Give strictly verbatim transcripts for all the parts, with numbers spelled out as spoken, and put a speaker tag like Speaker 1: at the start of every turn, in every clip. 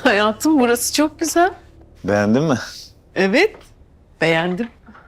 Speaker 1: Hayatım burası çok güzel.
Speaker 2: Beğendin mi?
Speaker 1: Evet, beğendim.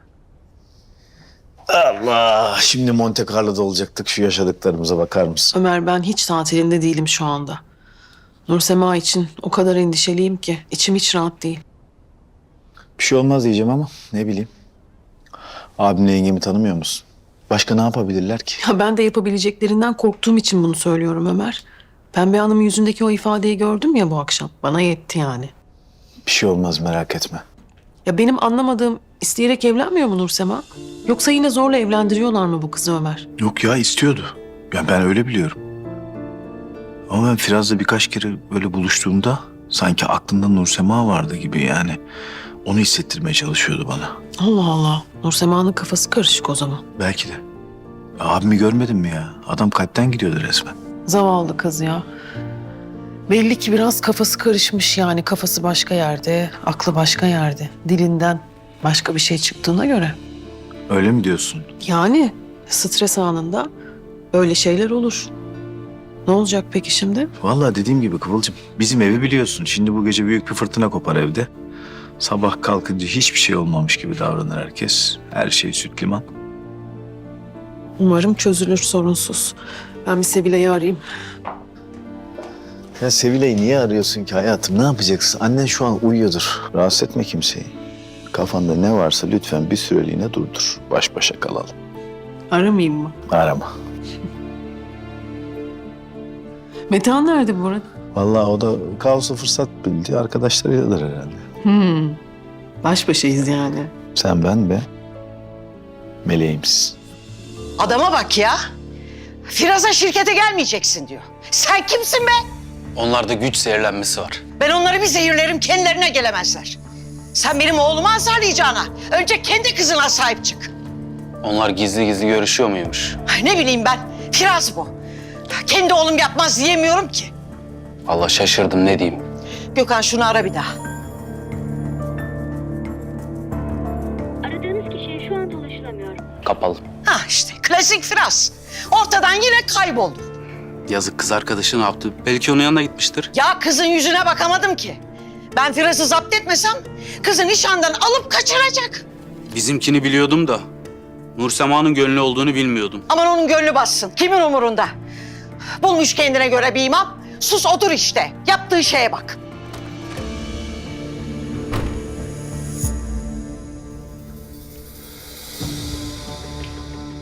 Speaker 2: Allah! Şimdi Monte Carlo'da olacaktık. Şu yaşadıklarımıza bakar mısın?
Speaker 1: Ömer, ben hiç tatilinde değilim şu anda. Nursema için o kadar endişeliyim ki içim hiç rahat değil.
Speaker 2: Bir şey olmaz diyeceğim ama ne bileyim. Abimle yengemi tanımıyor musun? Başka ne yapabilirler ki?
Speaker 1: Ya ben de yapabileceklerinden korktuğum için bunu söylüyorum Ömer. Pembe Hanım'ın yüzündeki o ifadeyi gördüm ya bu akşam. Bana yetti yani.
Speaker 2: Bir şey olmaz, merak etme.
Speaker 1: Ya benim anlamadığım, isteyerek evlenmiyor mu Nursema? Yoksa yine zorla evlendiriyorlar mı bu kızı Ömer?
Speaker 3: Yok ya, istiyordu. Ya ben öyle biliyorum. Ama ben Firaz'la birkaç kere böyle buluştuğumda sanki aklında Nursema vardı gibi yani. Onu hissettirmeye çalışıyordu bana.
Speaker 1: Allah Allah. Nursema'nın kafası karışık o zaman.
Speaker 3: Belki de. Ya abimi görmedin mi ya? Adam kalpten gidiyordu resmen.
Speaker 1: Zavallı kız ya. Belli ki biraz kafası karışmış yani. Kafası başka yerde, aklı başka yerde. Dilinden başka bir şey çıktığına göre.
Speaker 3: Öyle mi diyorsun?
Speaker 1: Yani stres anında öyle şeyler olur. Ne olacak peki şimdi?
Speaker 3: Vallahi dediğim gibi Kıvılcım, bizim evi biliyorsun. Şimdi bu gece büyük bir fırtına kopar evde. Sabah kalkınca hiçbir şey olmamış gibi davranır herkes. Her şey süt liman.
Speaker 1: Umarım çözülür sorunsuz. Ben bir Sevilay'ı arayayım.
Speaker 2: Ya Sevilay'ı niye arıyorsun ki hayatım? Ne yapacaksın? Annen şu an uyuyordur. Rahatsız etme kimseyi. Kafanda ne varsa lütfen bir süreliğine durdur. Baş başa kalalım.
Speaker 1: Aramayayım mı?
Speaker 2: Arama.
Speaker 1: Metehan nerede bu arada?
Speaker 2: Vallahi o da kaosu fırsat bildi. Arkadaşlarıyladır herhalde.
Speaker 1: Hmm. Baş başayız yani.
Speaker 2: Sen, ben ve meleğimiz.
Speaker 4: Adama bak ya. Firaz'a şirkete gelmeyeceksin diyor. Sen kimsin be?
Speaker 5: Onlarda güç zehirlenmesi var.
Speaker 4: Ben onları bir zehirlerim, kendilerine gelemezler. Sen benim oğlumu azarlayacağına önce kendi kızına sahip çık.
Speaker 5: Onlar gizli gizli görüşüyor muymuş?
Speaker 4: Ay, ne bileyim ben, Firaz bu. Kendi oğlum yapmaz diyemiyorum ki.
Speaker 5: Allah, şaşırdım, ne diyeyim.
Speaker 4: Gökhan şunu ara bir daha.
Speaker 6: Aradığınız kişiye şu an ulaşılamıyor.
Speaker 5: Kapalı.
Speaker 4: Ha işte klasik Firaz. Ortadan yine kayboldu.
Speaker 5: Yazık, kız arkadaşı ne yaptı? Belki onun yanına gitmiştir.
Speaker 4: Ya kızın yüzüne bakamadım ki. Ben Firaz'ı zapt etmesem kızı nişandan alıp kaçıracak.
Speaker 5: Bizimkini biliyordum da Nursema'nın gönlü olduğunu bilmiyordum.
Speaker 4: Aman onun gönlü bassın. Kimin umurunda? Bulmuş kendine göre bir imam. Sus otur işte. Yaptığı şeye bak.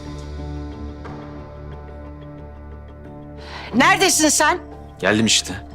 Speaker 4: Neredesin sen?
Speaker 7: Geldim işte.